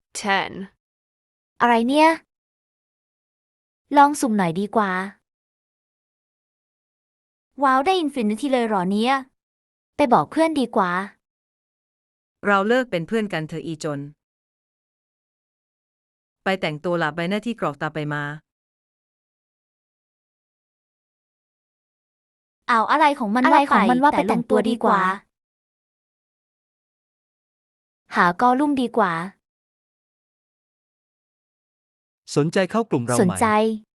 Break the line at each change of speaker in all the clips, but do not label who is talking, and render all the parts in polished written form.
10.
อะไรเนี่ย ลองสุ่มหน่อยดีกว่า ว้าวได้อินฟินิตี้เลยเหรอเนี่ย ไปบอกเพื่อนดีกว่า
เราเลิกเป็นเพื่อนกันเถอะอีจน ไปแต่งตัวหลับใบหน้าที่กรอกตาไปมา
เอาอะไรของมันว่าไปแต่งตัวดีกว่า หากอลุ่มดีกว่า
สนใจเข้ากลุ่มเรา
สน
ไหม
ใจ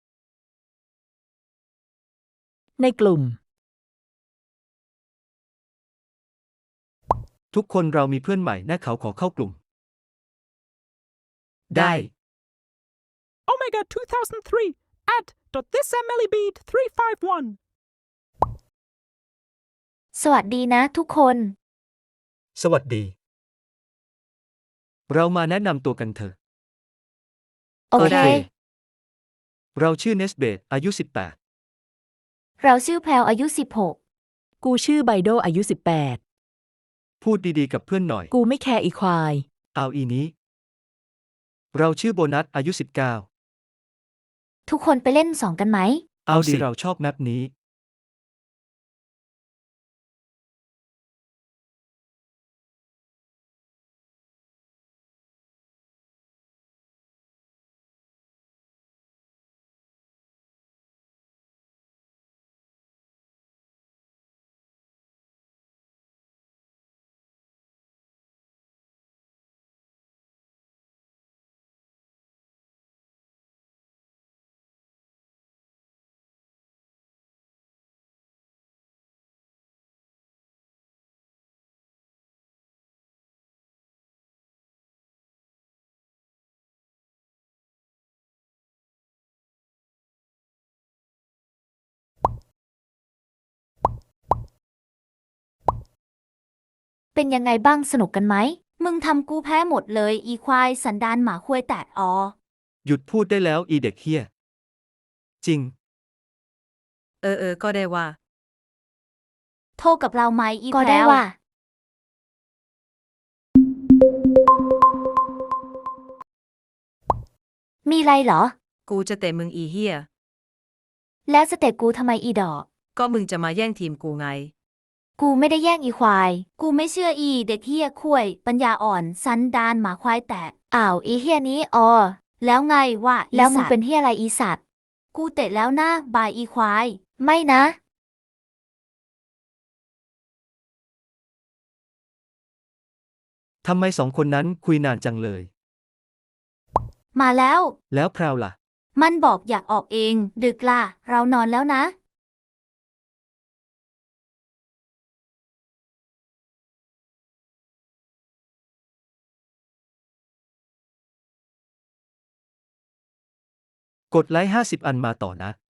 ในกลุ่ม
ทุกคนเรามีเพื่อนใหม่นะเขาขอเข้ากลุ่ม
ได้
Omega 2003 @thismlbeat351
สวัสดีนะทุกคน
สวัสดี เรามาแนะนำตัวกันเถอะ
โอเค
เราชื่อเนสเบตอายุ
เราชื่อแพลวอายุ
กูชื่อไบโดอายุ
18 พูดดีๆกับเพื่อนหน่อย
18 กูไม่แคร์อีควาย
เอาอีนี้ เราชื่อโบนัสอายุ
16 ทุกคนไปเล่น2กันไหม
19 เอาดิเราชอบแมปนี้
เป็นยังไงบ้างสนุกกันไหม มึงทำกูแพ้หมดเลยอีควายสันดานหมาควยแตกอ๋อ
หยุดพูดได้แล้วอีเด็กเฮี้ย จริง
ก็ได้ว่า
โทรกับเราไหมอีก็แพลได้ว ว่า มีไรเหรอ
กูจะเตะมึงอีเฮีย
แล้วจะเตะกูทำไมอีดอก
ก็มึงจะมาแย่งทีมกูไง
กูไม่ได้แย่งอีควาย กูไม่เชื่ออีเด็กเฮียคุยปัญญาอ่อนสันดานหมาควายแตกอ้าวอีเฮียนี้อ๋อแล้วไงวะแล้วมึงเป็นเฮียอะไรอีสัตว์ กูเตะแล้วนะบายอีควาย ไม่นะ
ทำไม2 คนนั้นคุยนานจังเลย
มาแล้ว
แล้วแพรวล่ะ
มันบอกอยากออกเอง ดึกล่ะ เรานอนแล้วนะ
กดไลค์50 อันมาต่อนะ